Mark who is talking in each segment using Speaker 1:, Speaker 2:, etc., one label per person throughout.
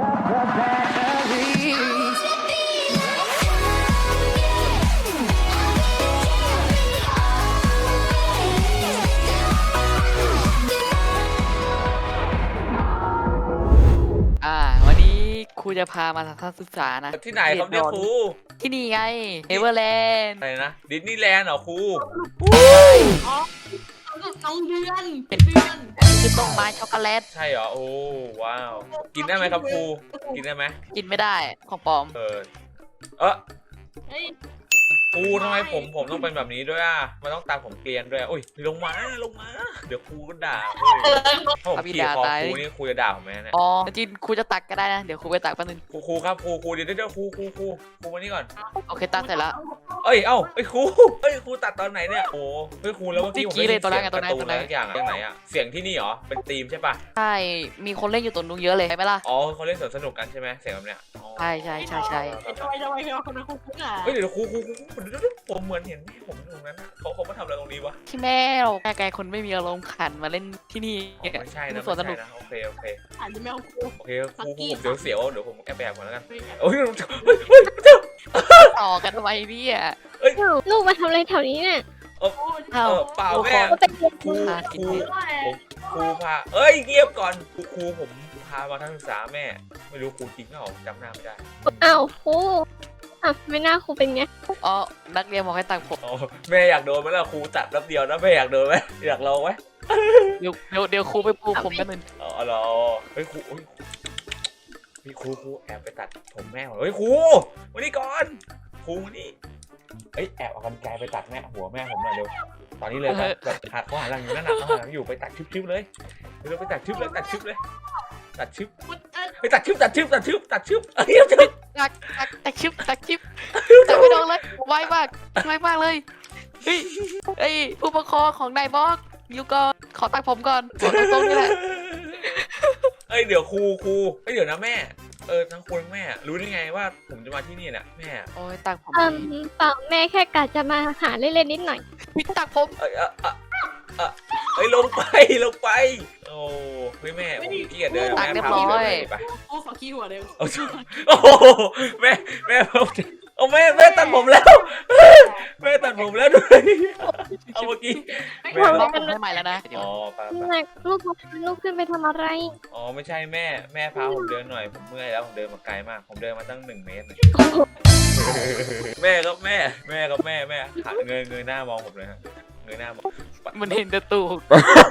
Speaker 1: วันนี้ครูจะพามาทัศนศึกษานะ
Speaker 2: ที่ไหนครับเนี่ยครู
Speaker 1: ที่นี่ไงเอเวอร์แลนด์
Speaker 2: อะไรนะดิสนีย์แลนด์เหรอครู
Speaker 3: อ๋อน้องเดือน
Speaker 1: คือต้นไม้ช็อกโกแลต
Speaker 2: ใช่เหรอโอ้ว้าวกินได้ไหมครับครูกินได้ไหม
Speaker 1: กินไม่ได้ของปลอม
Speaker 2: เ
Speaker 3: เฮ้ย
Speaker 2: ครูทำไมผมต้องเป็นแบบนี้ด้วยอ่ะมันต้องตามผมเกลียนด้วยอุ้ยลงมาเดี๋ยวครูก็ด่าเฮ้ยถ้าผมขี่คอครูนี่ครูจะด่าผมไหมเนี่ย
Speaker 1: อ๋อจริงครูจะตักก็ได้นะเดี๋ยวครูไปตักแป๊บนึง
Speaker 2: ครูครับครูเดี๋ยวครูมานี่ก่อน
Speaker 1: โอเคตักเสร็จแล้ว
Speaker 2: เอ้ยครูตัดตอนไหนเนี่ยโอ้เฮ้ยครูแล้วเมื่อกี้ผมได้ยินเสียงการ์ตูนอะไรอย่างอย่างไหนอะเสียงที่นี่เหรอเป็นธีมใช่ปะ
Speaker 1: ใช่มีคนเล่นอยู่ตรงนู้นเยอะเลยใช่ไหมล่ะ
Speaker 2: อ๋อเขาเล่นสนุกกันใช่ไหมเสียงแบบเนี้ย
Speaker 1: ใช่
Speaker 3: ทำไมคนนั้นคุ้นอ่ะ
Speaker 2: เฮ้ยเดี๋ยวครูผมเหมือนเห็นผมตรงนั้นอะเขามาทำอะไรตรงนี้วะ
Speaker 1: ที่แม่เราแม่ไกลคนไม่มีอารมณ์ขันมาเล่นที่นี่
Speaker 2: ไม่ใช่นะ
Speaker 1: สวนสนุก
Speaker 2: โอเค
Speaker 3: อาจจะไม่เอาครู
Speaker 2: ครูผมเดี๋ยวเสียวเดี๋ยวผมแอบก่อนแล้วกันโอ้ย
Speaker 1: ต่อกันทำไมเนี่ย
Speaker 4: ลูกมาทำอะไรแถวนี้เนี่ย
Speaker 1: เอ้า
Speaker 2: เปล่าแม่
Speaker 4: ก็เป็นเด็ก
Speaker 2: ครู
Speaker 1: พากินเห็ด
Speaker 2: ครูพาเอ้ยเงียบก่อนครูผมพามาทัศนศึกษาแม่ไม่รู้ครูจริงเปล่าจำหน้าไม่ได้
Speaker 4: อ้าวครูอ่ะไม่น่าครูเป็นไง
Speaker 1: อ๋อนักเรียนบอกให้ตักผม
Speaker 2: อ๋อแม่อยากโดนไหมล่ะครูตัดแป๊บเดียวนะแม่อยากโดนไหมอยากลองไหม
Speaker 1: เดี๋ยวครูไปปูผมแป๊บนึง
Speaker 2: อ๋อเหรอเฮ้ยครูพี่ครูแอบไปตัดผมแม่เฮ้ยครูมานี่ก่อนครูมานี่เอ้ยแอบเอากรรไกรไปตัดแม่หัวแม่ผมหน่อยเร็วตอนนี้เลยแบบหักเขาหันหลังอยู่นั่นน่ะเขาหันหลังอยู่ไปตัดชึบเลยเร็วไปตัดชึบเลยตัดชึบไปตัดชึบเอ้ย
Speaker 1: ตักชิปตักไม่โดนเลยไวมากเลยเฮ้ยผู้ปกครองของนายบอกอยู่ก่อนขอตักผมก่อนขอตรงๆนี่แหละ
Speaker 2: เอ้ยเดี๋ยวครูเอ้ยเดี๋ยวนะแม่ทั้งครูทั้งแม่รู้ได้ไงว่าผมจะมาที่นี่เนี่ยแม่
Speaker 1: โอ้ยตักผม
Speaker 4: เปล่าแม่แค่กะจะมาหาเล่นๆนิดหน่อย
Speaker 1: พี่ตักผม
Speaker 2: เอ้ยลงไปโอ้เฮ้ยแม่ผมขี้เกียจเดิน
Speaker 1: ตัก
Speaker 2: แม่
Speaker 1: เรียบ
Speaker 2: พา
Speaker 1: ร้
Speaker 2: ผม
Speaker 1: อย
Speaker 2: เดินไป
Speaker 3: ครูขอขี้หัวเร็ว
Speaker 2: โอ้โหแม่แม่ตัดผมแล้วแม่ตัดผมแล้วด้วยเอาเมื่อกี้
Speaker 1: รอบผมให้ใหม่แล้วนะ
Speaker 2: อ๋อไป
Speaker 4: ลูกขึ้นไปทำอะไร
Speaker 2: อ๋อไม่ใช่แม่พาผมเดินหน่อยผมเมื่อยแล้วผมเดินมาไกลมากผมเดินมาตั้ง1 เมตรเลยแม่ครับแม่หันเงยหน้ามองผมเลยฮะเงยหน้ามอง
Speaker 1: มันเห็นแต่ตูก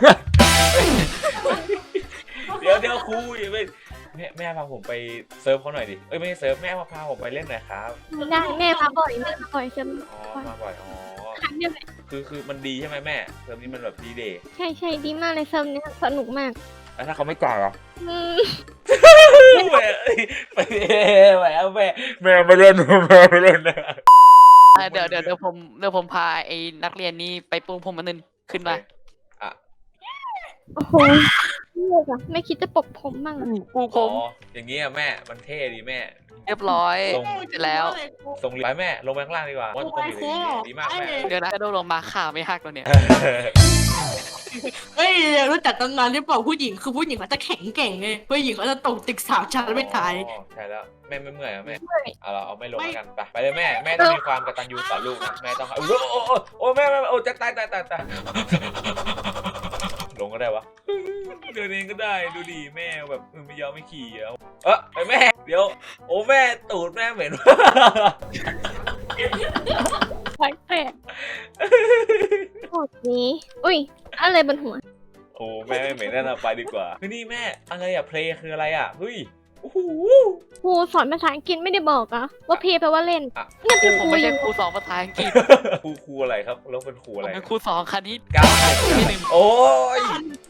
Speaker 2: เดี๋ยวครูอย่าไปแม่พาผมไปเซิร์ฟเขาหน่อยดิไม่ใช่เซิร์ฟแม่มาพาผมไปเล่นหน่อยครับ
Speaker 4: ไม่ได้แม่มาบ่อยใช่ไหม
Speaker 2: อ๋อมาบ่อยอ๋อ
Speaker 4: ครั้งเดียว
Speaker 2: คือมันดีใช่ไหมแม่เซิร์ฟนี้มันแบบดีเดย์
Speaker 4: ใช่ดีมากเลยเซิร์ฟเนี่ยสนุกมาก
Speaker 2: แล้วถ้าเขาไม่จ่ายเหรอ แม่ไม่เล่นนะ
Speaker 1: เดี๋ยวผมพาไอ้นักเรียนนี้ไปปูผมมันนึงขึ้นมา
Speaker 4: โอ้โหลูกอะไม่คิดจะปกผมบ้างอะ
Speaker 1: ปูผ
Speaker 2: อ๋อ
Speaker 1: ม
Speaker 2: อย่างงี้อะแม่มันเท่ดีแม่
Speaker 1: เรียบร้อย
Speaker 2: ส่ง
Speaker 1: เสร็จแล้ว
Speaker 2: ส่งไปแม่ลงไปข้างล่างดีกว่าว่าต้องอยู่ดีมากแม่
Speaker 1: เดี๋ยวนะกระโดดลงมาขาไม่หักแล้วเนี่ย
Speaker 3: เฮ้ยรู้จักตำนานหรือเปล่าผู้หญิงคือผู้หญิงเขาจะแข็งเก่งไงผู้หญิงเขาจะตกตึก3 ชั้นไม่ตาย
Speaker 2: ใช่แล้วแม่ไม่เมื่อยอะแม่เอาไม่ลงกันไปเลยแม่ต้องมีความกตัญญูต่อลูกนะแม่ต้องโอ้แม่โอ้จะตายลงก็ได้วะเดินเองก็ได้ดูดีแม่แบบไม่ยอมไม่ขี่ไอ้แม่เดี๋ยวโอ้แม่ตูดแม่เหม็น
Speaker 4: แปลกโอ้นี้อุ้ยอะไรบนหัว
Speaker 2: โอ้แม่ไม่เหม็นนั่นไปดีกว่าเฮ้ยนี่แม่อะไรอะเพลย์คืออะไรอะเฮ้ยโอ้โห
Speaker 4: ครูสอนภาษาอังกฤษไม่ได้บอกอะว่าเพย์แปลว่าเล่น
Speaker 1: เนี่ยผมไม่ใช่ครูสอนภาษาอังกฤษ
Speaker 2: ครูอะไรครับแล้วเป็นครู
Speaker 1: ผ
Speaker 2: อะ
Speaker 1: ม
Speaker 2: ไร
Speaker 1: เป็นครูสอนคณิต
Speaker 2: ก้าว
Speaker 1: ที่หนึ่ง
Speaker 2: โอ้ย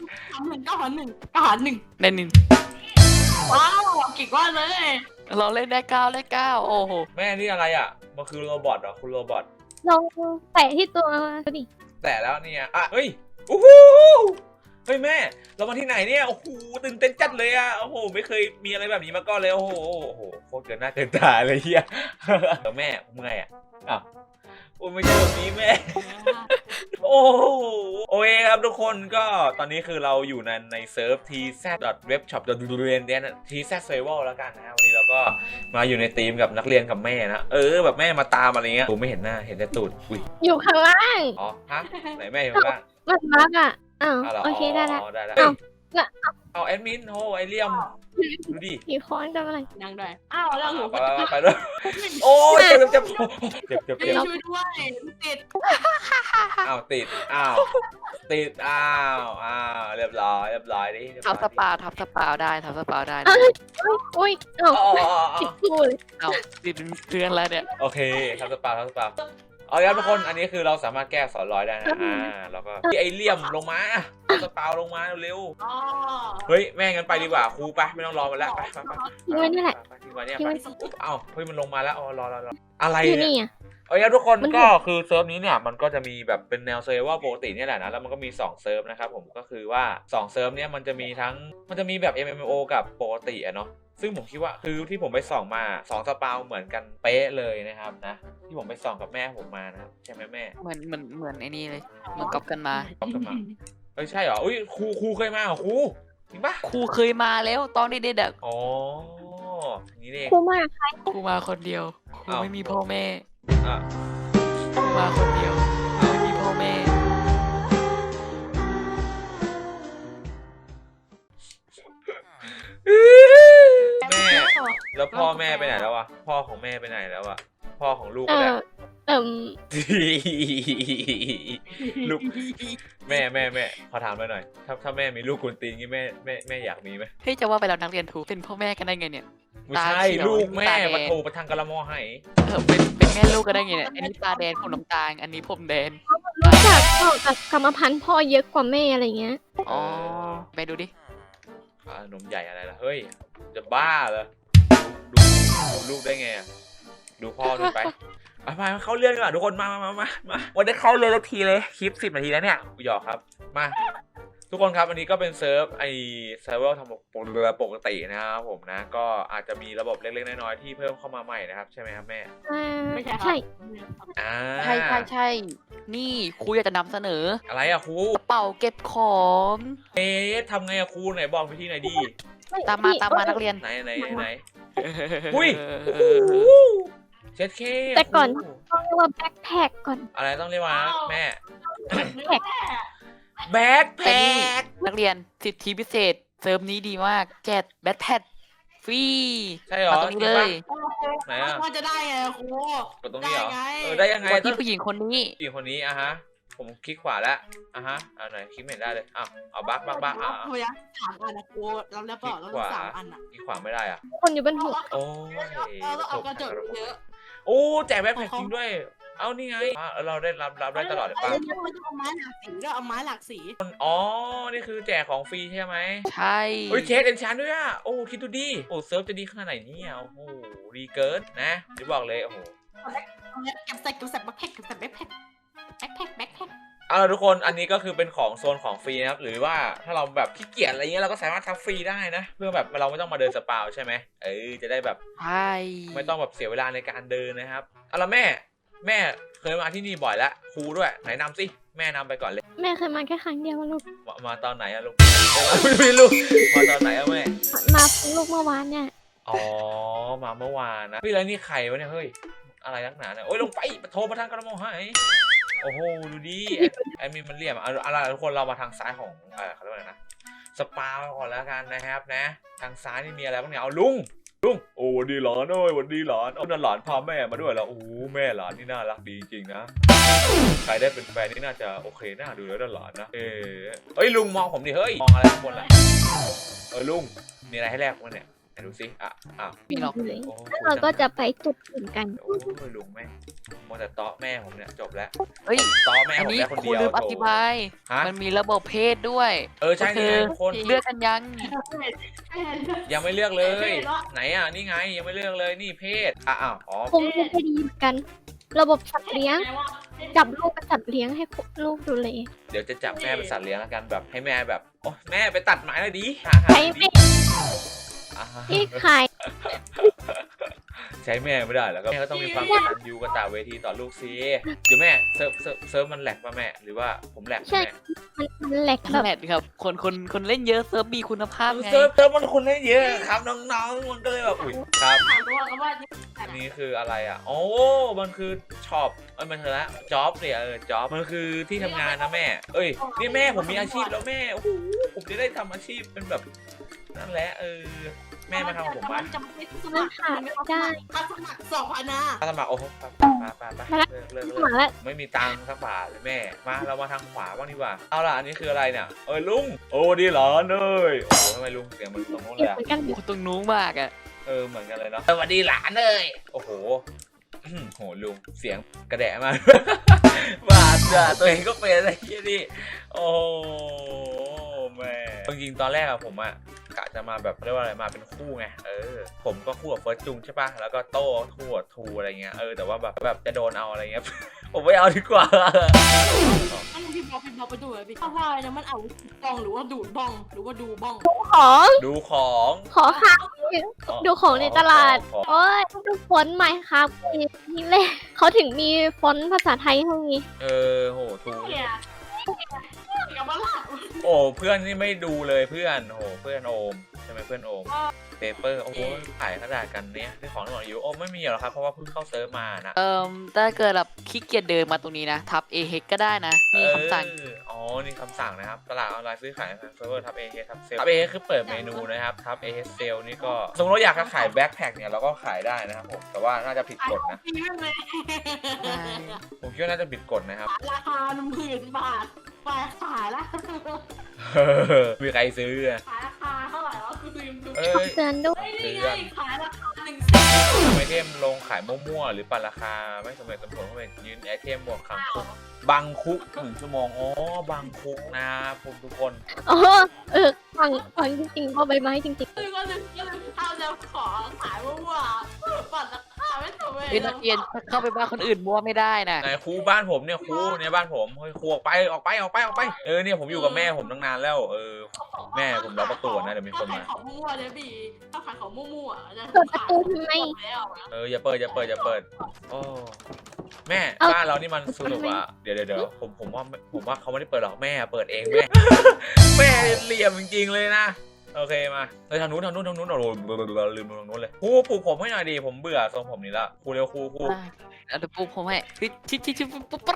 Speaker 3: 9 1
Speaker 1: ในหนึ่ง
Speaker 3: ว้าวเก่งว่าเลย
Speaker 1: เราเล่นได้9 โอ้โห
Speaker 2: แม่นี่อะไรอะมันคือโรบอทเหรอคุณโรบอท
Speaker 4: ลองแตะที่ตัวดิ
Speaker 2: แต่แล้วเนี่ยเฮ้ยโอ้โหเฮ้ยแม่เรามาที่ไหนเนี่ยโอ้โหตื่นเต้นจัดเลยอะโอ้โหไม่เคยมีอะไรแบบนี้มาก่อนเลยโอ้โหโคตรเกินหน้าเกินตาเลยเฮียแม่เมื่อยอะอ้าวโอ้ไม่ใช่แบบนี้แม่ โอ้โหโอเคครับทุกคนก็ตอนนี้คือเราอยู่ในเซิร์ฟ tz.webshop.durian tz survival แล้วกันนะฮะวันนี้เราก็มาอยู่ในทีมกับนักเรียนกับแม่นะแบบแม่มาตามอะไรเงี้ยผมไม่เห็นหน้าเห็นแต่ตูดอุ้ย
Speaker 4: อยู่ข้างล่าง
Speaker 2: อ๋อฮะไหนแม่อยู่ข้างล่าง
Speaker 4: มันบักอ่ะอ้าว
Speaker 2: าวหร
Speaker 4: โอเคได้ละ
Speaker 2: ได้แล้ว
Speaker 4: เอ้า
Speaker 2: เอาแอดมินโหไอเลี่ยมดูดิ
Speaker 4: ผีค้อนทำอะไร
Speaker 3: นั่งด้วยอ้าวแล้วหนู
Speaker 2: ไปด้วยโอ้ยเจ็บเจ็บเจ็บ
Speaker 3: ช่วยด้วยติด
Speaker 2: อ้าวติดอ้าวติดอ้าวเรียบร้อยดิ
Speaker 1: ทับสปาทับสปาได้ทับสปาได้
Speaker 4: เอ้ยอุ้ยเอ้า
Speaker 2: อ๋อ
Speaker 4: ผิดคู่เลย
Speaker 1: เอาติดเป็นเพื่อนแล้วเนี่ย
Speaker 2: โอเคทับสปาเอาละครับทุกคนอันนี้คือเราสามารถแก้สอนร้อยได้นะแล้วก็ไอเลี่ยมลงมาทับสปาลงมาเร็ว
Speaker 3: อ๋อ
Speaker 2: เฮ้ยแม่งั้นไปดีกว่าครูไปไม่ต้องรอมันแล้วไป
Speaker 4: ทิ้งไว้นี่แหละ
Speaker 2: ทิ้งไว้เนี่ย
Speaker 4: ทิ้ง
Speaker 2: ไป
Speaker 4: ไว้
Speaker 2: เอ้าเฮ้ยมันลงมาแล้วรออะไร
Speaker 4: อยู่
Speaker 2: เนี่ย
Speaker 4: นี่อ่ะ
Speaker 2: เอาละทุกคน
Speaker 4: มัน
Speaker 2: ก็คือเซิร์ฟนี้เนี่ยมันก็จะมีแบบเป็นแนวเซิร์ฟว่าปกติเนี่ยแหละนะแล้วมันก็มี2เซิร์ฟนะครับผมก็คือว่า2เซิร์ฟเนี่ยมันจะมีแบบ MMO กับปกติอะเนาะซึ่งผมคิดว่าคือที่ผมไปส่องมา2สปาวเหมือนกันเป๊ะเลยนะครับนะที่ผมไปส่องกับแม่ผมมานะครับใช่ไหมแม่
Speaker 1: เหมือนไอ้นี่เลยเหมือนก๊อปกันมา
Speaker 2: ก๊อปกันมาเอ้ยใช่เหรออุ้ยครูเคยมาเหรอครูจริงปะ
Speaker 1: ครูเคยมาแล้วตอนเด็กๆอะ
Speaker 2: อ๋อนี่เอง
Speaker 4: ครูมาก
Speaker 1: ครูมาคนเดียวครู
Speaker 2: อ้าว
Speaker 1: ไม่มีพ่อแม่
Speaker 2: อ่ะ
Speaker 1: ครูมาคนเดียวครูไม่มีพ่อแม่
Speaker 2: แม่แล้วพ่อแม่ไปไหนแล้ววะพ่อของแม่ไปไหนแล้วอะพ่อของลูก
Speaker 4: เอ
Speaker 2: ก็ได้
Speaker 4: อเอิ่ม
Speaker 2: ลูกแม่ขอถามหน่อยถ้าแม่มีลูกกุนตีนงี้แม่อยากมีไหม
Speaker 1: เฮ้ยจะว่าไปแล้วนักเรียนถูกเป็นพ่อแม่กันได้ไงเนี่ย
Speaker 2: ไม่ใช่
Speaker 1: ตาเขียว
Speaker 2: ลูกแม่
Speaker 1: ตาแดง
Speaker 2: มาโทรประทังกะละมอให้
Speaker 1: เป็นแม่ลูกกันได้ไงเนี่ยอันนี้ตาแดงผมน้ำตาลอันนี้ผมแดง
Speaker 4: รู้จักพ่อกับกรรมพันธุ์พ่อเยอะกว่าแม่อะไรเงี้ย
Speaker 1: อ๋อไปดูดิ
Speaker 2: นมใหญ่อะไรล่ะเฮ้ยจะบ้าเหรอดูลูกได้ไงอะดูพ่อดูไปมาเข้าเรื่องกันก่อนทุกคนมาวันนี้เข้าเรื่องทีเลยคลิป10 นาทีแล้วเนี่ยหยอกครับมาทุกคนครับอันนี้ก็เป็นเซิร์ฟเซิร์ฟเวอร์ทำเรือปกตินะครับผมนะก็อาจจะมีระบบเล็กๆน้อยๆที่เพิ่มเข้ามาใหม่นะครับใช่ไหมครับแม่
Speaker 3: ไม่ใช่
Speaker 4: ใช่
Speaker 2: อ่า
Speaker 1: ใช่นี่ครูอยากจะนำเสนอ
Speaker 2: อะไรอะครู
Speaker 1: กระเป๋าเก็บของ
Speaker 2: ทำไงอะครูไหนบอกวิธีหน่อยดี
Speaker 1: ตามมานักเรียน
Speaker 2: ไหนอุ้ยเช็ดเค
Speaker 4: แต่ก่อนต้องเรียกว่าแบ็คแพคก่อน
Speaker 2: อะไรต้องเรียกว่าแม่
Speaker 3: แพ็ค
Speaker 2: แบ็คแพ
Speaker 1: แต่นี่
Speaker 2: ค
Speaker 1: นักเรียนสิทธิพิเศษเซิร์ฟนี้ดีมากแจกแบทแพดฟรี
Speaker 2: ใช่เหรอ
Speaker 1: มาตรงนี้เลย
Speaker 2: ไหนอะ
Speaker 3: ว่าจะได้ไงครู
Speaker 2: กดตรงนี้เหรอ
Speaker 3: ได้ไง
Speaker 2: ได้ยังไง
Speaker 1: กด
Speaker 2: ต้อ
Speaker 1: ที่
Speaker 2: ง
Speaker 1: ผู้หญิงคนนี้
Speaker 2: ผู้หญิงคนนี้อะฮะผมคลิกขวาแล้วอะฮะไหนคลิกไม่เห็นได้เลยเอาบัก
Speaker 3: พยายาม3 อันนะครูเราแล้วเปล่าเรา3 อันอ่ะ
Speaker 2: คลิกขวาไม่ได้อะ
Speaker 4: คนอยู่บนหัว
Speaker 2: โอ้ย
Speaker 3: เราเอากระจกเยอะ
Speaker 2: โอ้แจกแบ็คแพคจริงด้วยเอานี่ไงเราได้รับได้ตลอดเลยป่ะ
Speaker 3: เอาไม้หลากสีก็เอาไม้หลากสี
Speaker 2: อ๋อนี่คือแจกของฟรีใช่ไหม
Speaker 1: ใช่
Speaker 2: เฮ้ยเชสเอนชานด้วยอ่ะโอ้คิดดูดิโอ้เซิร์ฟจะดีขนาดไหนเนี่ยโอ้โหดีเกินนะจะบอกเลยโอ้โห
Speaker 3: เก็บใส่แบ็คแพ็คแบ็คแพ็ค
Speaker 2: เอาล่ะทุกคนอันนี้ก็คือเป็นของโซนของฟรีนะครับหรือว่าถ้าเราแบบขี้เกียจอะไรเงี้ยเราก็สามารถทำฟรีได้นะเพื่อแบบเราไม่ต้องมาเดินสปาวใช่ไหมจะได้แบบ
Speaker 1: ใช่
Speaker 2: ไม่ต้องแบบเสียเวลาในการเดินนะครับเอาล่ะแม่เคยมาที่นี่บ่อยแล้วครูด้วยไหนนำสิแม่นำไปก่อนเลย
Speaker 4: แม่เคยมาแค่ครั้งเดียวลูก
Speaker 2: มาตอนไหนอะลูกไม่ลูกมาตอนไหนอะแม่
Speaker 4: มาลูกเมื่อวานเนี่ย
Speaker 2: อ๋อมาเมื่อวานนะเฮ้ยแล้วนี่ใครวะเนี่ยเฮ้ยอะไรนักหนาเนี่ยโอ้ยลงไปโทรมาทางกระมองให้โอ้โหดูดิไอ้มีมันเหลี่ยมอะไรทุกคนเรามาทางซ้ายของเขาเรียกว่าอะไรนะสปาก่อนแล้วกันนะครับนะทางซ้ายนี่มีอะไรบ้างเนี่ยเอาลุงโอ้วันดีหลานวันดีหลานเอาหลานพาแม่มาด้วยแล้วโอ้แม่หลานนี่น่ารักดีจริงๆนะใครได้เป็นแฟนนี่น่าจะโอเคน่าดูแล้วหลานนะเฮ้ยลุงมองผมดิเฮ้ยมองอะไรข้างบนล่ะลุงมีอะไรให้แลกมั้งเนี่ยไหนดูสิ
Speaker 1: มีหรอก
Speaker 4: แล้วเราก็จะไปจุดอื่นกัน
Speaker 2: โอ้ยลุงแม่มัวแต่เตาะแม่ผมเนี่ยจบแล้ว
Speaker 1: เฮ้ย
Speaker 2: เตาะแม่
Speaker 1: อัน
Speaker 2: ผม
Speaker 1: นี้
Speaker 2: ได้คน
Speaker 1: ครู
Speaker 2: เดียว
Speaker 1: ลืมอธิบาย
Speaker 2: ฮะ
Speaker 1: มันมีระบบเพศด้วย
Speaker 2: ใช่นี่ไงทุกคน
Speaker 1: เลือกกันยัง
Speaker 2: ยังไม่เลือกเลย ไหนอ่ะนี่ไงยังไม่เลือกเลยนี่เพศอ๋อ
Speaker 4: คงจะดีเหมือนกัน ระบบสัตว์เลี้ยง จับลูกเป็นสัตว์เลี้ยงให้ลูกดูแล
Speaker 2: เดี๋ยวจะจับแม่เป็นสัตว์เลี้ยงแล้วกันแบบให้แม่แบบโอ้แม่ไปตัดไม้เลยดิหา
Speaker 4: ใช้
Speaker 2: ดิ
Speaker 4: เป็นที่ขาย
Speaker 2: ใช้แม่ไม่ได้แล้วก็แม่ก็ต้องมีความกตัญญูกตเวทีต่อลูกสิเดี๋ยวแม่เซิร์ฟมันแหลกป่ะแม่หรือว่าผมแหลก
Speaker 4: ใช่
Speaker 2: แม่
Speaker 4: มันแหลกแบบ
Speaker 1: แมทครับคนเล่นเยอะเซิร์ฟมีคุณภาพไง
Speaker 2: เซิร์ฟมันคนได้เยอะครับน้องๆมันก็เลยแบบอุ้ยครับ
Speaker 3: ถามตัวกันว่า
Speaker 2: อันนี้คืออะไรอ่ะโอ้มันคือช็อปมันเถอะละจ็อบเนี่ยจ็อบมันคือที่ทำงานนะแม่เอ้ยนี่แม่ผมมีอาชีพแล้วแม่โอ้โหผมจะได้ทำอาชีพเป็นแบบนั่นแหละแม่มาทำกับผมไหม
Speaker 3: จะไม่สมัครได้ถ้าสมัคร2,000นะ
Speaker 2: ถ้าสมัครโอ้โหไปเลิก
Speaker 4: หมาแล้ว
Speaker 2: ไม่มีตังค์สักบาทเลยแม่มาเรามาทางขวาบ้างดีกว่าเอาล่ะอันนี้คืออะไรเนี่ยลุงโอ้ดีเหรอเนยโอ้โหทำไมลุงเสียงมันตรงโน้น
Speaker 4: เก็
Speaker 2: เล
Speaker 4: บ
Speaker 2: ย
Speaker 4: เหมือนกัน
Speaker 1: โอ้ตรงนู้นมากอ่ะ
Speaker 2: เหมือนกันเลยเนาะสวัสดีหลานเลยโอ้โหโหลุงเสียงกระแดะมาก บาดจ้ะตัวเองก็เป็นอะไรที่นี่โอ้แม่จริงๆตอนแรกอะผมอะกะจะมาแบบเรียกว่าอะไรมาเป็นคู่ไงผมก็คู่กับเฟิร์สจุงใช่ป่ะแล้วก็โต้คู่กับทูอะไรเงี้ยแต่ว่าแบบจะโดนเอาอะไรเงี้ย ผมไม่เอาดีกว่า
Speaker 3: อันนี้พี่บอกไปดูเลยพี่ว่าเนี่ยมันเอาบ้องหรือว่าดูดบ้องหรือว่าดูบ้อง
Speaker 4: ของ
Speaker 2: ดูของ
Speaker 4: ขอค่ะดูของในตลาด
Speaker 2: ของ
Speaker 4: โอ้ยดูฟอนต์ใหม่ครับนี่แหละเขาถึงมีฟอนต์ภาษาไทยให้นี้
Speaker 2: โหทู
Speaker 3: เนี่ยกับบ้าละ
Speaker 2: โอ้เพื่อนนี่ไม่ดูเลยเพื่อนโอ้เพื่อนโอมใช่ไหมเพื่อนโอมเปเปอร์โอ้โหขายกระดาษกันเนี่ยที่ของที่บอกอยู่โอ้ไม่มีหรอกครับเพราะว่าเพิ่งเข้าเซิร์ฟมานะ
Speaker 1: ถ้าเกิดแบบขี้เกียจเดินมาตรงนี้นะทับเอเฮกก็ได้นะมีคำสั่ง
Speaker 2: นี่คำสั่งนะครับตลาดออนไลน์ซื้อขายเซิร์ฟเวอร์ทับเอเทับเซลทับเอคือเปิดเมนูนะครับทับเอเซลนี่ก็สมมติเราอยากจะขายแบ็คแพ็คเนี่ยเราก็ขายได้นะครับผมแต่ว่าน่าจะผิดกฎนะ
Speaker 3: ปีนั่นเลย
Speaker 2: ผมคิดว่าน่าจะผิดกฎนะครับ
Speaker 3: ราคา10,000 บาทไปขายละ
Speaker 2: มีใครซื้ออะ
Speaker 3: ขายราคาเท่าไหร่วะคือลืมดู
Speaker 4: เตือนด้วย
Speaker 3: นี่ไงขายราคา100,000
Speaker 2: ไอเทมลงขายมั่วๆหรือปั่นราคาไม่สมเหตุสมผลก็เป็นยืนไอเทมบวกขังคุกบังคุก1 ชั่วโมงบังคุกนะผมทุกคน
Speaker 4: อ๋อฟังจริงๆพอใบไม้จริง
Speaker 3: ก็เลยเอาจะขอขายว่าปัดราคาไม่ถูกเลย
Speaker 1: เฮ้ยนักเรียนเข้าไปบ้านคนอื่นมั่วไม่ได้นะ
Speaker 2: ไหนครูบ้านผมเนี่ยครูเนี่ยบ้านผมเฮ้ยครูออกไปเนี่ยผมอยู่กับแม่ผมตั้งนานแล้วแม่ผมล็อกประตูนะเดี๋ยวมีคน
Speaker 3: ขาย
Speaker 2: มา
Speaker 3: ของมั่วๆเนี่ยพี่ถ้าขายของมั่วๆจะ
Speaker 4: ๆเปิดประตูทำไม
Speaker 2: อย่าเปิดโอ้แม่
Speaker 4: เอา
Speaker 2: บ้านเรานี่มันสนุกอ่ะเดี๋ยวผมว่าเขาไม่ได้เปิดหรอกแม่เปิดเองแม่ แม่เหลี่ยมจริงๆเลยนะโอเคมาทางนู้นเราลืมทางนู้นเลยครูปลุกผมให้หน่อยดีผมเบื่อทรงผมนี้ละครูเร็วครู
Speaker 1: เดี๋ยวปุ๊บผมให้ชิปุ๊บ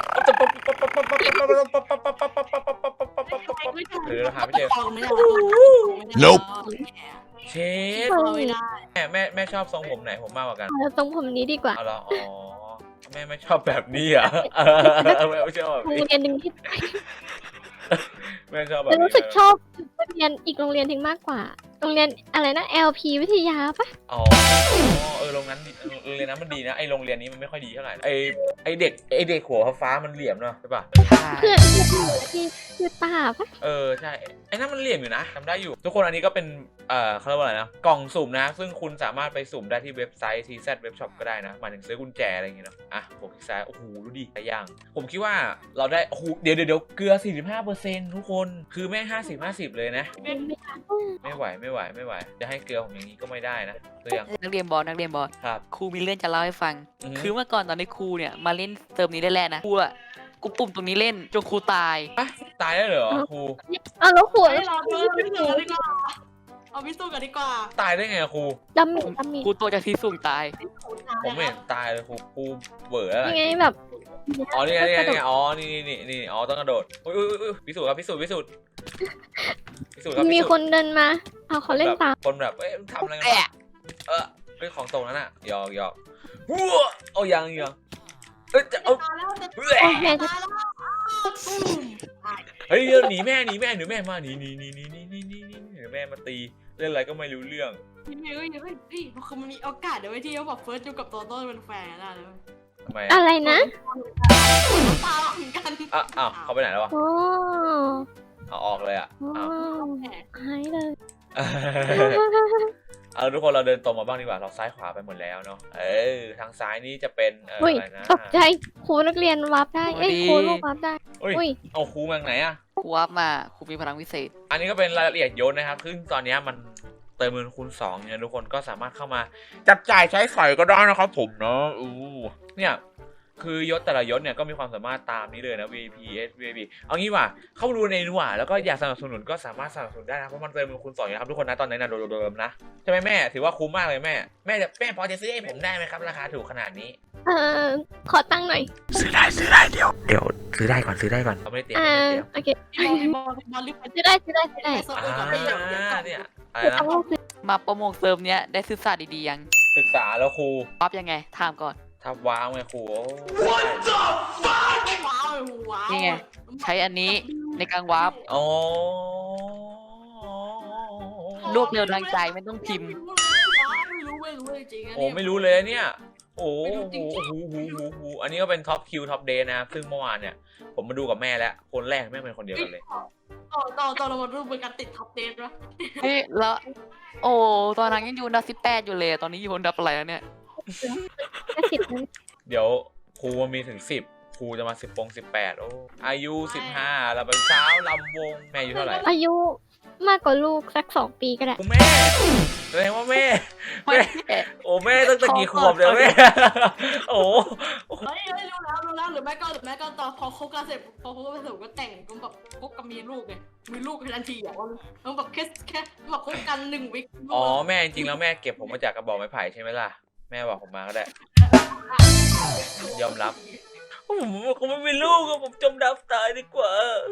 Speaker 2: หรือเราหาไม่เจอ
Speaker 3: Nope
Speaker 2: เชฟ
Speaker 3: ไม่ได้
Speaker 2: แม่ชอบทรงผมไหนผมมากกว่ากัน
Speaker 4: เอาตรงผมนี้ดีกว่า
Speaker 2: เอาละแม่ไม่ชอบแบบนี้อ่ะแม่ไม่ชอบแบบ
Speaker 4: โรง
Speaker 2: นี้
Speaker 4: เรียนหนึ่งที่
Speaker 2: แม่ชอบแบบ
Speaker 4: แต่
Speaker 2: นี้
Speaker 4: รู้สึกชอบโรงเรียนอีกโรงเรียนถึงมากกว่า โรงเรียนอะไรนะ LP วิทยาปะ
Speaker 2: โรงเรียนนั้นมันดีนะไอโรงเรียนนี้มันไม่ค่อยดีเท่าไหร่ไอเด็กหัวฟ้ามันเหลี่ยมเนาะใช่ป่ะ
Speaker 4: เพื่อนที่คือตาปะ
Speaker 2: ใช่ไอ้นั่นมันเหลี่ยมอยู่นะจำได้อยู่ทุกคนอันนี้ก็เป็นเขาเรียกว่าอะไรนะกล่องสุ่มนะซึ่งคุณสามารถไปสุ่มได้ที่เว็บไซต์ TZ Web Shop ก็ได้นะหมายถึงซื้อกุญแจอะไรอย่างเงี้ยนะผมคลิกซ้ายโอ้โหดูดิหลายอย่างผมคิดว่าเราได้โอ้โหเดี๋ยวเกลือ 45%ทุกคนคือไม่50 เลยนะไม่ไหวจะให้เกลือผมอย่างนี้ก็ไม่ได้นะตัวอย่าง
Speaker 1: นักเรียนบอล
Speaker 2: ครับ
Speaker 1: ครูมีเรื่องจะเล่าให้ฟัง คือเมื่อก่อนตอนที่ครูเนี่ยมาเล่นเติมนี้แรกๆนะครูอะกูปุ่มตรงนี้เล่นจนครูตาย
Speaker 2: ตายได้เหรอครู
Speaker 4: เอาแล้วหัว
Speaker 3: ให้เราดูพิสูจน์ดีกว่าเอาพิสูจน์กันดีกว่า
Speaker 2: ตายได้ไงอะครู
Speaker 4: ดำมิด
Speaker 1: ครูตัวจากที่สูงตาย
Speaker 2: ผมไม่เห็นตายเลยครูเบื่อแล้ว
Speaker 4: ยังไงแบบ
Speaker 2: นี่ไงนี่ต้องกระโดดอุ้ยพิสูจน์ครับพิสูจน์ครับ
Speaker 4: มีคนเดินมาเอาเขาเล่นตาม
Speaker 2: คนแบบทำอะไรกันเรื่องของตรงนั้นอะหยอกวัวยังจะเอา
Speaker 3: ตายแล้วจะ
Speaker 4: แม่
Speaker 3: ตายแล้ว
Speaker 2: เฮ้ยหนีแม่มาหนีแม่มาตีเล่นอะไรก็ไม่รู้เรื่อง
Speaker 3: พี่คือมันมีโอกาสเดี๋ยวที่เขาบอกเฟิร์สอยู่กับโตโต้เป็นแฟนได้เลย
Speaker 2: ทำไม
Speaker 4: อะไรนะ
Speaker 3: ตาเหมือนกัน
Speaker 2: เขาไปไหนแล้ววะ
Speaker 4: โอ้
Speaker 2: เอาออกเลยอะ
Speaker 4: หายเลย
Speaker 2: เอาทุกคนเราเดินตรงมาบ้างดีกว่าเราซ้ายขวาไปหมดแล้วเนาะทางซ้ายนี้จะเป็น
Speaker 4: อุ้ย
Speaker 2: อะไรนะ
Speaker 4: ตกใจครูนักเรียนวับได้ครูลูกวับได้ อุ้ย
Speaker 2: เอาครูมาจากไหนอะ
Speaker 1: ครูวับมาครูมีพลังวิเศษ
Speaker 2: อันนี้ก็เป็นรายละเอียดโยนนะครับซึ่งตอนนี้มันเติมเงินคูณ2เนี่ยทุกคนก็สามารถเข้ามาจับจ่ายใช้สอยก็ได้นะครับผมเนาะเนี่ยคือยศแต่ละยศเนี่ยก็มีความสามารถตามนี้เลยนะ VIP S VIP เอางี้ว่ะเข้ามาดูในนี้ว่ะแล้วก็อยากสนับสนุนก็สามารถสนับสนุนได้นะเพราะมันเติมเงินคูณ2นะครับทุกคนนะตอนนี้นะโดมๆนะใช่ไหมแม่ถือว่าคุ้มมากเลยแม่พอจะซื้อให้ผมได้ไหมครับราคาถูกขนาดนี้
Speaker 4: ขอตั้งค์หน่อย
Speaker 2: ซื้อได้เดี๋ยวซื้อได้ก่อนเราไม่ได้เตรียม
Speaker 4: โอเค
Speaker 3: บอลรีบไป
Speaker 4: ซื้อได้
Speaker 3: เซิร์ฟเวอร์กับไปเดี๋ยวก่อน
Speaker 2: เนี่ยอะไรนะ
Speaker 1: มาโปรโมทเซิร์ฟเนี้ยได้ศึกษาดีๆยัง
Speaker 2: ศึกษาแล้วครู
Speaker 1: ปั๊บยังไงถามก่อน
Speaker 2: ทับว้าวไงครู
Speaker 3: ว้าว
Speaker 1: นี่ไง ใช้อันนี้ในการวาร์ป
Speaker 2: อ๋อ
Speaker 1: รวบเร็วทางใจไม่ต้องพิมพ์
Speaker 3: ไม่รู้จริงๆ
Speaker 2: โอ้ไม่รู้เลยเนี่ยโอ้โหอันนี้ก็เป็นท็อปคิวท็อปเดย์นะครับซึ่งเมื่อวานเนี่ยผมมาดูกับแม่แล้วคนแรกแม่เป็นคนเดียวกันเลย
Speaker 3: ต่อเรามาดูเป็นการติดท็อปเดนวะ
Speaker 1: เฮ้ยแล้ว โอ้ตอนนั้นยังอยู่อันดับ18อยู่เลยตอนนี้อยู่อันดับอะไรแล้วเนี่ย
Speaker 4: ก็10นั้น
Speaker 2: เดี๋ยวครูมันมีถึง10ครูจะมา18โอ้อายุ15เราเป็นสาวลำวงแม่อายุเท่าไหร่
Speaker 4: อายุมากกว่าลูกสัก2 ปีก็ได้
Speaker 2: แม่แสดงว่าแม่โอ้แม่ตั้งแต่กี่ขวบเลยแม่โอ้
Speaker 3: เฮ้ยรู้แล้วหรือแม่ก็ตอนพอคบกันเสร็จก็แต่งก็แบบคบกันมีลูกไงมีลูกทันทีอ่ะมันแบบแค่แบบคบกัน1 วิค
Speaker 2: อ๋อแม่จริงๆแล้วแม่เก็บผมมาจากกระบอกไม้ไผ่ใช่ไหมล่ะแม่บอกผมมาก็ได้ยอมรับผมไม่มีลูกผมจมน้ำตายดีกว่า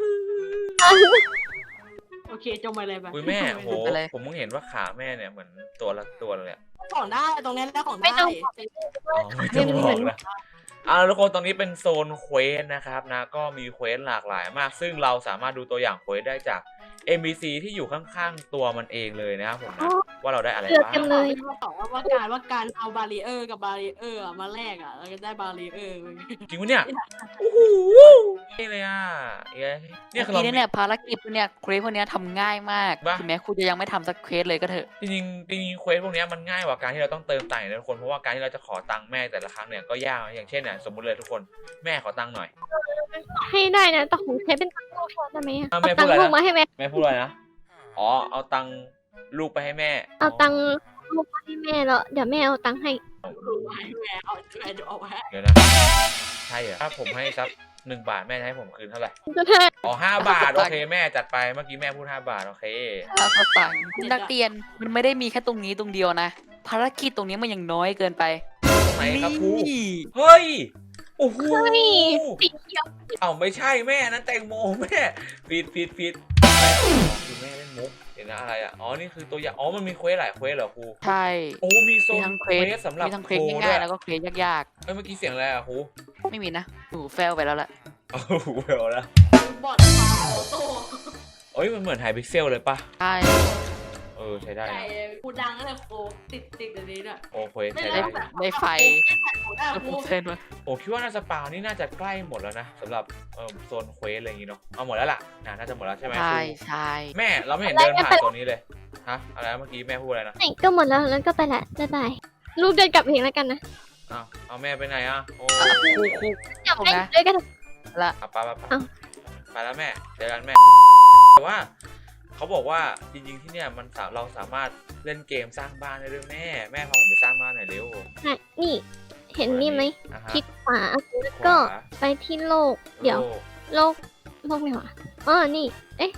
Speaker 3: โอเคจงไปเลยไป
Speaker 2: อุ้ยแม่โหผมเพิ่งเห็นว่าขาแม่เนี่ยเหมือนตัวละตัวเลย
Speaker 3: ของได้ตรงนี้แล้วของได้
Speaker 2: ไม่ต้องบอกนะทุกคนตอนนี้เป็นโซนเควสนะครับนะก็มีเควสหลากหลายมากซึ่งเราสามารถดูตัวอย่างเควสได้จาก NPC ที่อยู่ข้างๆตัวมันเองเลยนะครับผมนะว่าเราได้อะไรบ้าง
Speaker 4: เลย
Speaker 3: ว่าการเอาบารีเออร์กับบารีเออร์มาแลกอ่ะเราจะได้บารีเออร์
Speaker 2: จริงปะเนี่ยโอ้โหนี่เลยอ่ะเนี่ยคือ
Speaker 1: ที
Speaker 2: เรา
Speaker 1: นี้เนี่ยภารกิจพวกเนี้ยเควสพวกเนี้ยทำง่ายมาก
Speaker 2: บ้า
Speaker 1: ถึงแม้คุณจะยังไม่ทำสักเควสเลยก็เถอะ
Speaker 2: จริงเควสพวกนี้มันง่ายกว่าการที่เราต้องเติมตังค์นะทุกคนเพราะว่าการที่เราจะขอตังค์แม่แต่ละครั้งเนี่ยก็ยากอย่างเช่นเนี่ยสมมติเลยทุกคนแม่ขอตังค์หน่อย
Speaker 4: ให้ได้นะแต่ของใช้เป็นตังค์ลูกพอได้ไหมอะ
Speaker 2: อ่ะ
Speaker 4: เอา
Speaker 2: แม่
Speaker 4: ตั
Speaker 2: พู
Speaker 4: ง
Speaker 2: ดอะไร
Speaker 4: ค์ลูก
Speaker 2: นะ
Speaker 4: มาให้แม่
Speaker 2: แม่พูดอะไรนะอ๋อเอาตังค์ลูกไปให้แม่
Speaker 4: เอาตังค์ลูกมาให้แม่แล้วเดี๋ยวแม่เอาตังค์ให้
Speaker 3: เดี๋ยวเอาไว้
Speaker 2: เดี๋ยวนะใช่เหรอถ้าผมให้สัก1 บาทแม่จะให้ผมคืนเท่าไหร่
Speaker 4: จะให้
Speaker 2: อ๋อ5 บาทโอเคแม่จัดไปเมื่อกี้แม่พูด5 บาทโอเค
Speaker 1: ถ้าเขาสั่งคุณนักเรียนมันไม่ได้มีแค่ตรงนี้ตรงเดียวนะ ภารกิจตรงนี้มันยังน้อยเกินไป
Speaker 2: ตรงไหนครับครู
Speaker 1: นี่
Speaker 2: เฮ้ยโอ้โห
Speaker 4: สีเขียว
Speaker 2: เอ้าไม่ใช่แม่นั้นแตงโมแม่ผิดอะไรอ๋อคือแม่เล่นมุกเห็นนะอะไรอ่ะอ๋อนี่คือตัวอย่างอ๋อมันมีเควสหลายเควสเหรอครู
Speaker 1: ใช่
Speaker 2: โอ้มีโซ
Speaker 1: มี
Speaker 2: น
Speaker 1: ทั้ง
Speaker 2: เคว
Speaker 1: เควส
Speaker 2: สสำหรับ
Speaker 1: มีทั้งเควส
Speaker 2: โช
Speaker 1: ง่ายๆ
Speaker 2: ด้
Speaker 1: แล้วก็เควสยาก
Speaker 2: เอ้ยเมื่อกี้เสียงอะไรอ่ะครู
Speaker 1: ๆ ไม่มีนะหนูแฟลไปแล้วล่ะ
Speaker 2: โอ้โหเวลนะ
Speaker 3: บอดฟาโอโต้
Speaker 2: เอ้ยมันเหมือนไฮพิกเซลเลยปะ
Speaker 1: ใช่
Speaker 2: ใช้ได้
Speaker 3: ใหญ่
Speaker 2: นะ
Speaker 3: กูดังก็เลยโคติดอันนี้เนี่ย
Speaker 2: โอ้เควส
Speaker 3: ไม่
Speaker 2: ใช้
Speaker 3: ได้
Speaker 2: ได้
Speaker 3: แบบ
Speaker 1: ได้ไฟ
Speaker 3: ได้
Speaker 1: แล้ว
Speaker 3: กู
Speaker 1: ผมเซ็นมา
Speaker 2: โอ้คิดว่าน่าจะปาวนี่น่าจะใกล้หมดแล้วนะสำหรับโซนเควสอะไรอย่างงี้เนาะเอาหมดแล้วล่ะน่าจะหมดแล้วใช่ไหมค
Speaker 1: ใช่
Speaker 2: รู
Speaker 1: ใช่
Speaker 2: แม่เราไม่เห็นเดินผ่านโซนนี้เลยฮะอะไรนะเมื่อกี้แม่พูดอะไรนะ
Speaker 4: ไหนก็หมดแล้วแล้วก็ไปละบ๊ายบายลูกเดินกลับเองแล้วกันนะ
Speaker 2: เอาแม่ไปไหนอ่ะโอ้
Speaker 1: ครู
Speaker 4: เดี๋ยวแม่ด้วยกัน
Speaker 1: ละ
Speaker 2: ไป
Speaker 4: เอ้า
Speaker 2: ไปแล้วแม่เจอกันแม่แต่ว่าเขาบอกว่าจริงๆที่เนี่ยมันเราสามารถเล่นเกมสร้างบ้านได้ด้วยแม่พาผมไปสร้างบ้านหน่อยเร็ว
Speaker 4: นี่เห็นนี่ไหม
Speaker 2: อ่าฮะ
Speaker 4: คลิกขวาแล้ว
Speaker 2: ข
Speaker 4: ก็
Speaker 2: วา
Speaker 4: ไปที่โลกเดี๋ยว
Speaker 2: โลก
Speaker 4: โลกไหนวะอ๋อนี่
Speaker 2: เฮ้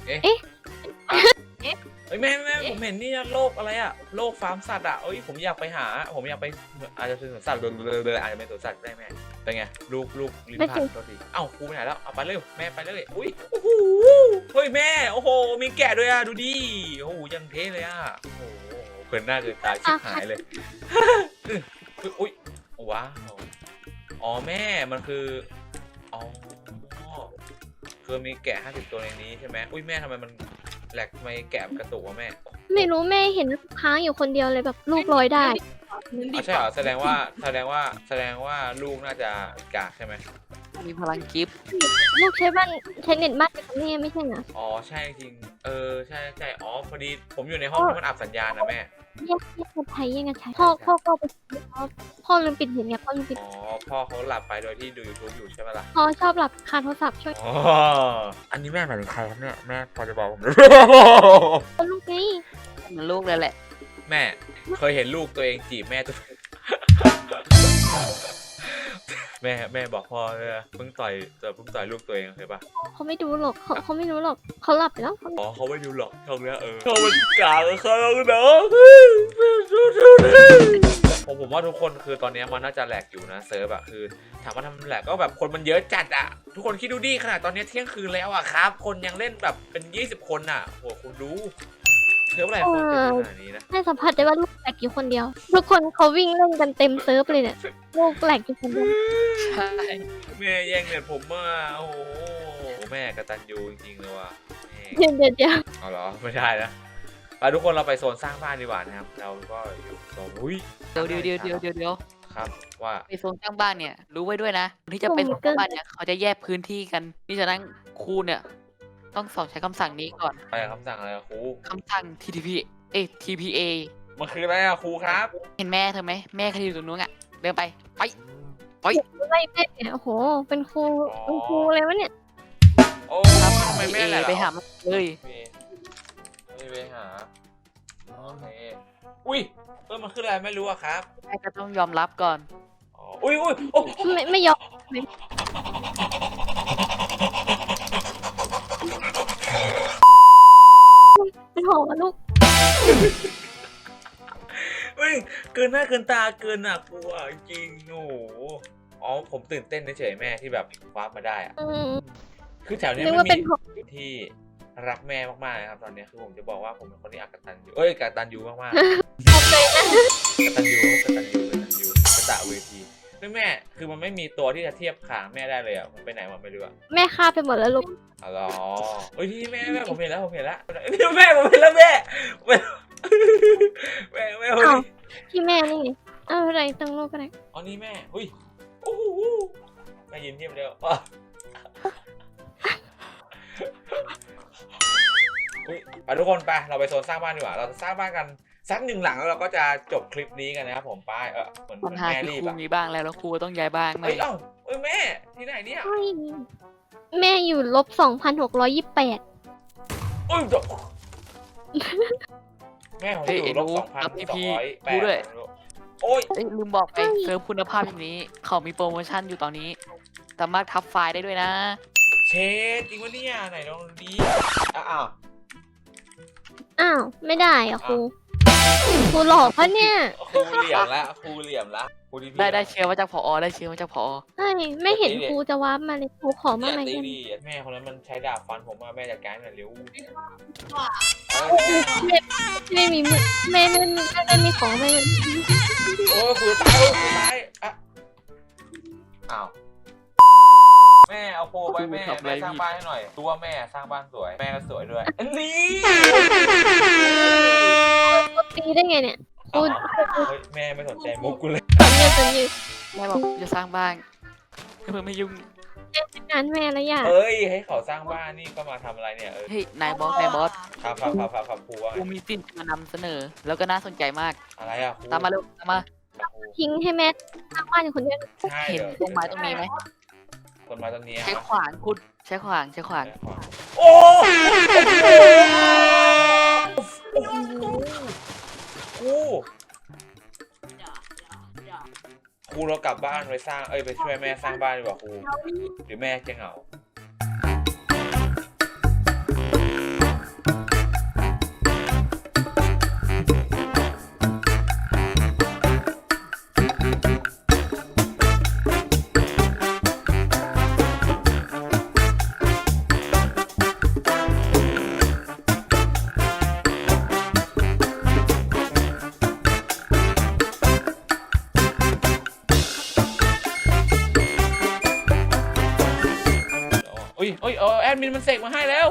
Speaker 2: ยแม่ผมเห็นนี่นะโลกอะไรอะโลกฟาร์มสัตว์อะเอ้ยผมอยากไปหาผมอยากไปอาจจะเป็นสวนสัตว์เลยอาจจะเป็นสวนสัตว์ได้แม่เป็นไงลูกลิ้นพันตัวทีเอ้าครูไปไหนแล้วเอาไปเลยแม่ไปเลยอุ้ยโอ้โหเฮ้ยแม่โอ้โหมีแกะด้วยอะดูดิโอ้โหยังเท่เลยอะโอ้โหเกินหน้าเกินตาชิบหายเลยอุ้ยว้าวอ๋อแม่มันคืออ๋อคือมีแกะ50 ตัวในนี้ใช่ไหมอุ้ยแม่ทำไมมันแหลกทำไมแกะกระตุกวะแม่
Speaker 4: ไม่รู้แม่เห็นค้างอยู่คนเดียวเลยแบบลูกลอยได้
Speaker 2: ใช่เหรอแสดงว่าลูกน่าจะกากใช่ไหม
Speaker 1: มีพลังกิฟต์
Speaker 4: ลูกใช้บ้านใช้เน็ตบ้านกับแม่ไม่ใช่เหรอ
Speaker 2: อ๋อใช่จริงใช่อ๋อพอดีผมอยู่ในห้องที่มันอับสัญญาณนะแม่
Speaker 4: แยกกันใช้แยกกันใช้พ่อก็ไปพ่อลืมปิดเน็ตไงพ่อลืมปิด
Speaker 2: อ๋อพ่อเขาหลับไปโดยที่ดู YouTube อยู่ใช่ไหมล่ะ
Speaker 4: พ่อชอบหลับคาโทรศัพท์ช่วย
Speaker 2: อ๋ออันนี้แม่หมายถึงใครครับเนี่ยแม่พอจะบอกผมได้
Speaker 4: ลูกไง
Speaker 1: มันลูกเลยแหละ
Speaker 2: แม่เคยเห็นลูกตัวเองจีบแม่ตัว แม่บอกพ่อเลยนะเพิ่งต่อยลูกตัวเองเคยปะ
Speaker 4: เขาไม่ดูหรอกเขาไม่รู้หรอกเขาหลับไปแล้ว
Speaker 2: อ๋อเขาไม่ดูหรอกช่องเนี้ยเขามันกลางเขาเนาะผมว่าทุกคนคือตอนนี้มันน่าจะแหลกอยู่นะเซิร์ฟอะคือถามว่าทำแหลกก็แบบคนมันเยอะจัดอะทุกคนคิดดูดิขนาดตอนนี้เที่ยงคืนแล้วอะครับคนยังเล่นแบบเป็น20 คนอะโหคุณดูเซิร์ฟอะไรคนเต็มขนาดนี้นะ
Speaker 4: ให้สัมผัสได้ว่าลูกแหลกอยู่คนเดียว ทุกคนเขาวิ่งเล่นกันเต็มเซิร์ฟเลยเนี่ยลูกแหลกอยู่คนเดียว
Speaker 1: ใช่
Speaker 2: แม่แย่งเน็ตผมมาโอ้โหแม่กตัญญูจริงๆเลยว่ะแม่
Speaker 4: เดี๋ยว
Speaker 2: เอาเหรอไม่ได้นะไปทุกคนเราไปโซนสร้างบ้านดีกว่านะครับเราก็อยู่โซนอุ้ย
Speaker 1: เดี๋ยว
Speaker 2: ครับว่า
Speaker 1: ไปโซนสร้างบ้านเนี่ยรู้ไว้ด้วยนะคนที่จะไปโซนสร้างบ้านเนี่ยเขาจะแยกพื้นที่กันนี่ฉะนั้นครูเนี่ยต้องสอบใช้คำสั่งนี้ก่อน
Speaker 2: อะไรคำสั่งอะไรอะครู
Speaker 1: คำสั่ง TPA
Speaker 2: มันคืออะไรอะครูครับ
Speaker 1: เห็นแม่เธอไหมแม่เขาอยู่ตรงนู้นอ่ะเดินไป
Speaker 4: ไล่แม่เนี่ยโอ้โหเป็นครูเลยวะเนี่ย
Speaker 2: โอ้
Speaker 1: ครับ
Speaker 2: ทำไมแม่
Speaker 1: TPA
Speaker 2: แหละ
Speaker 1: ไปหามันเลย
Speaker 2: ไปหาโอเคอุ้ยมันคืออะไรไม่รู้อะครับ
Speaker 1: แม่ก็ต้องยอมรับก่อน
Speaker 2: อ๋ออุ้ยโอ้
Speaker 4: ไม่ยอมเป็นหอลูก
Speaker 2: อุ้ยเกินหน้าเกินตาเกินน่ากลัวจริงโอ้โหอ๋อผมตื่นเต้นเฉยๆแม่ที่แบบคว้ามาได้อะคือแถวเนี้ย
Speaker 4: นึก
Speaker 2: มั
Speaker 4: ว่าน เป็น
Speaker 2: มี
Speaker 4: หอ
Speaker 2: ที่รักแม่มากๆนะครับตอนนี้คือผมจะบอกว่าผมเป็นคนที่กตัญญูกตัญญูมากๆกตัญญูกตะเวทีแม่คือมันไม่มีตัวที่จะเทียบขางแม่ได้เลยอ่ะมันไปไหนมันไม่รู้อ่ะ
Speaker 4: แม่ฆ่าไปหมดแล้วลูก
Speaker 2: อ๋อเฮ้ยที่แม่ผมเห็นแล้วนี่แม่ผมเห็นแล้วแม่
Speaker 4: ที่แม่นี่ไงอะไรตั้งลูกอะไร
Speaker 2: อ๋อนี่แม่อุ้ยโอ้โหแม่ยิ้มเยี่ยมเดียวไปทุกคนไปเราไปโซนสร้างบ้านดีกว่าเราจะสร้างบ้านกันสัก1 หลังแล้วเราก็จะจบคลิปนี้กันนะครับผมไปเหมือน
Speaker 1: ปัญหา
Speaker 2: แม่
Speaker 1: คือ
Speaker 2: รี
Speaker 1: ค
Speaker 2: บ
Speaker 1: รู
Speaker 2: อ่ะ
Speaker 1: มีบ้างแล้วครูต้องย้ายบ้างไหม
Speaker 2: เอ้ยแม่ที่ไหนเนี่ย
Speaker 4: แม่อยู่-2,628
Speaker 2: โอ้ยแม่ผมอยู่-2,208โอ้ย
Speaker 1: ลืมบอกไปเซิร์ฟคุณภาพอย่างนี้เขามีโปรโมชั่นอยู่ตอนนี้สามารถทับไฟล์ได้ด้วยนะ
Speaker 2: เชดจริงวะเนี่ยไหนลองดีอ้าว
Speaker 4: อ้าวไม่ได้อ่ะครูหลอกปะเนี่ย
Speaker 2: ครูเหลี่ยมละครูที่พี่
Speaker 1: ได้เชื้อมาจากผอได้เชื้อมาจากผอ
Speaker 4: เฮ้ยไม่เห็นครูจะวาร์ปมาเลยครูขอมาใหม่
Speaker 2: ตี
Speaker 4: กัน
Speaker 2: ดีแม่คนนั้นมันใช้ดาบฟันผมมาแม่จัดการหน่อยเร็ว
Speaker 4: ไม่มีมือแม่ไม่มีของไม่
Speaker 2: โอ้ยครูตายอ้าวแม่เอาโปรไปแม่สร้างบ้านให้หน่อยตัวแม่สร้างบ้านสวยแม่ก็สวยด้วยนี่
Speaker 4: ตีได้ไงเนี่ยครู
Speaker 2: แม่ไม่สนใจมุกกูเลย
Speaker 4: สัญญา
Speaker 1: แม่บอกจะสร้างบ้านเพื่อไม่ยุ่ง
Speaker 4: งานแม่แล้วอย่า
Speaker 2: เฮ้ยให้เขาสร้างบ้านนี่ก็มาทำอะไรเนี่ย
Speaker 1: เฮ้ยนายบอส
Speaker 2: ครับครูว่า
Speaker 1: กูมีสิ่งมานำเสนอ แล้วก็น่าสนใจมาก
Speaker 2: อะไรอ่ะครู
Speaker 1: ตามมาเร็วตามมา
Speaker 4: ทิ้งให้แม่สร้างบ้านอยู่คนเดียว
Speaker 2: ใช่
Speaker 1: เห็นต้นไม้ต้นนี้ไหม
Speaker 2: ต้นไม้ต้นนี้
Speaker 1: ใช้ขวานคุณใช้ขวาน
Speaker 2: โอ้ครูเรากลับบ้านไปสร้างไปช่วยแม่สร้างบ้านดีกว่าครูหรือแม่จะเหงาแอดมินมันเสกมาให้แล้ว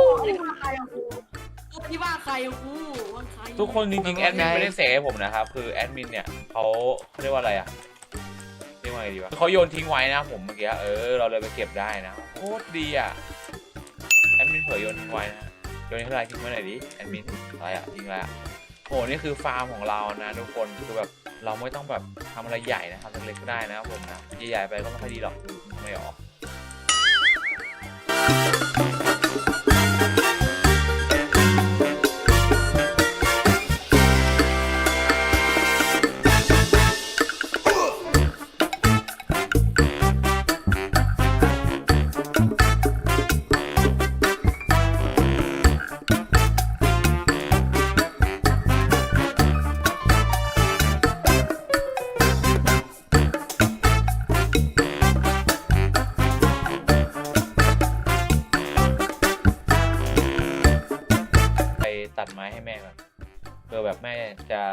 Speaker 3: ที่บ้านใครอะกูบ้านใคร
Speaker 2: ทุกคนจริงๆแอดมินไม่ได้เสกให้ผมนะครับคือแอดมินเนี่ยเขาเรียกว่าอะไรเรียกว่าไงดีวะเขาโยนทิ้งไว้นะผมเมื่อกี้เราเลยไปเก็บได้นะโคตรดีแอดมินเผยโยนทิ้งไว้นะโยนอะไรทิ้งไว้ไหนดิแอดมินอะไรทิ้งอะไรโหนี่คือฟาร์มของเรานะทุกคนคือแบบเราไม่ต้องแบบทำอะไรใหญ่นะทำเล็กๆก็ได้นะครับผมนะใหญ่ๆไปก็ไม่ค่อยดีหรอกไม่ออก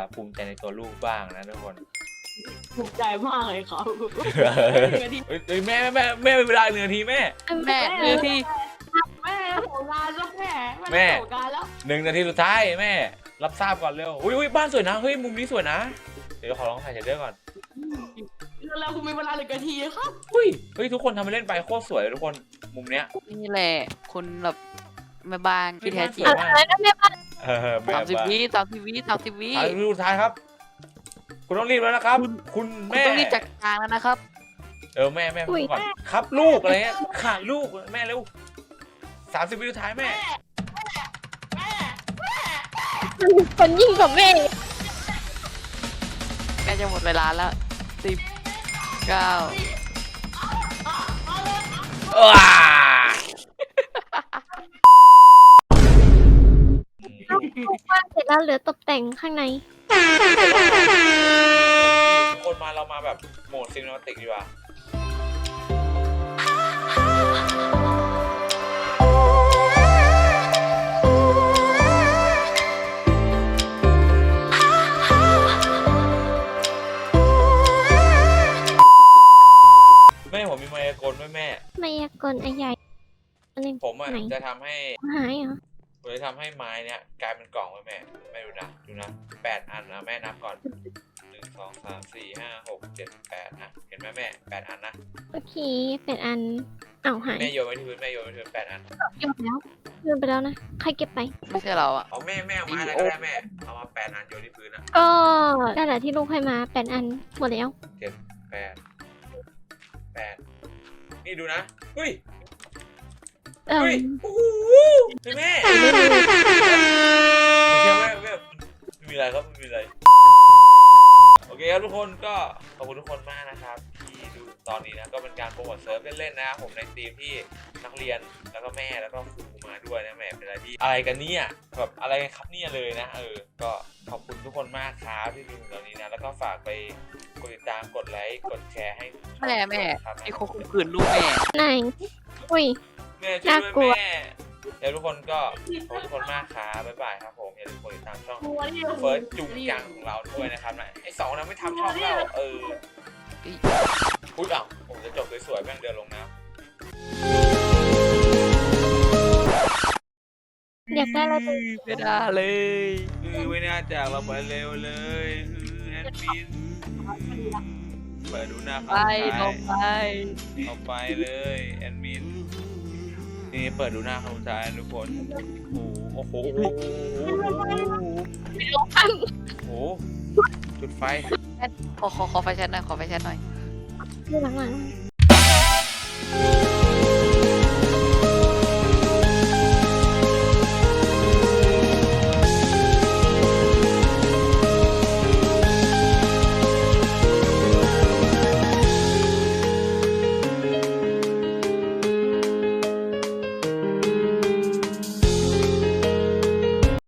Speaker 2: ภูมิใจในตัวลูกบ้างนะทุกคน
Speaker 3: ถูกใจมากเลยครับ
Speaker 2: เฮ้ยแม่เวลา1 นาทีแม่
Speaker 1: แม่เรือที่
Speaker 3: แม่โหงานแล้วแม่
Speaker 2: แม่
Speaker 3: โหงานแล้ว
Speaker 2: 1 นาทีสุดท้ายแม่ รับทราบก่อนเร็วอุ้ยบ้านสวยนะเฮ้ยมุมนี้สวยนะเดี๋ยวขอลองถ่ายเชดเดอร์ก่อน
Speaker 3: แล้วคุณมีเวลา1 นาทีครับ
Speaker 2: เฮ้ยทุกคนทำไปเล่นไปโคตรสวยเลยทุกคนมุมเนี้ย
Speaker 1: นี่แหละคนแบบแม่บ้านที่แท้จริง
Speaker 4: อะไรนะแม่บ้าน
Speaker 2: แม่
Speaker 1: 30 วิ30 วิ30 วิ
Speaker 2: ถ่ายรูปสุดท้ายครับ คุณต้องรีบแล้วนะครับ คุณ
Speaker 1: คุณ
Speaker 2: แม่
Speaker 1: ต้องรีบจัดการแล้วนะครับ
Speaker 2: แม่พูดก่อนครับลูกอะไรเงี้ยขาดลูกแม่เร็ว30 วิสุดท้ายแม่
Speaker 4: คนยิ่งกว่าแม่
Speaker 1: แม่จะหมดเวลาแล้ว10 9
Speaker 2: ว้า
Speaker 4: บ้านเสร็จแล้วเหลือตกแต่งข้างใน
Speaker 2: ทุกคนมาเรามาแบบโหมดซินิมาติกดีกว่าแม่ผมมีมายากลด้วยแม่
Speaker 4: มายากลไอ้ใหญ่อันนี้
Speaker 2: ผมอ่ะ
Speaker 4: ไหน
Speaker 2: จะทำให้
Speaker 4: หายเหรอ
Speaker 2: ผมจะทำให้ไม้เนี่ยกลายเป็นกล่องไว้แม่ดูนะ8 อันนะแม่นับก่อน1 2 3 4 5 6 7 8นะเห็นไหมแม่8 อันนะ
Speaker 4: โอเคเป็นอันอ้าวหาย
Speaker 2: แม่โยนไว้ที่พื้นแม่โยนไว้ที่พื้น8 อัน
Speaker 4: โยนแล้วโยนไปแล้วนะใครเก็บไป
Speaker 1: ไม่ใช่เราอะ
Speaker 2: เอาแม่เอาไม้อะไรก็ได้แม่เอามา8 อันโยนที่พื้นอ่ะ
Speaker 4: ก็นั่นแหละที่ลูกให้มาเป็นอันหมดแล้ว
Speaker 2: 8 นี่ดูนะเฮ้ย
Speaker 4: เออ
Speaker 2: เฮ้ยโอ้โหเฮ้ยแม่ไม่ใช่แม่ไม่มีอะไรครับไม่มีอะไรโอเคครับทุกคนก็ขอบคุณทุกคนมากนะครับที่ดูตอนนี้นะก็เป็นการโปรโมทเซิร์ฟเล่นๆนะผมในทีมที่นักเรียนแล้วก็แม่แล้วก็ครูมาด้วยนะแม่เป็นอะไรที่อะไรกันเนี่ยแบบอะไรกันครับเนี่ยเลยนะก็ขอบคุณทุกคนมากครับที่ดูถึงตอนนี้นะแล้วก็ฝากไปกดติดตามกดไลค์กดแชร์ให้
Speaker 1: แม่
Speaker 2: ครับ
Speaker 1: ไอ้โคข่มขืนลูกแม่
Speaker 4: ไหนอุ้ย
Speaker 2: แม่ช่วย
Speaker 4: น่ากลั
Speaker 2: ด้
Speaker 4: ว
Speaker 2: วยแม่เดี๋ยวทุกคนก็ขอบคุณทุกคนมากครับบ๊ายบายครับผมอย่าลืมกดติดตามช่อง
Speaker 3: ตัวนี่
Speaker 2: เฟิร์สจุงจังของเราด้วยนะครับนะไอ้2นะไม่ทำช่องเราพูดผมจะจบสวยๆแม่งเดินลงน้ำ
Speaker 4: อยากได้อะไรตัว
Speaker 1: ไม่ได้เลย
Speaker 2: ไม่น่าจากเราไปเร็วเลยแอดมินเปิดดูหน้า
Speaker 1: ไปลงไป
Speaker 2: เอาไปเลยแอดมินนี่เปิดดูหน้าคำสุดท้ายทุกคนโอ้โหจุดไฟ
Speaker 1: ขอไฟแช็ดหน่อยขอไฟแช็ดหน่อย
Speaker 4: หลังๆ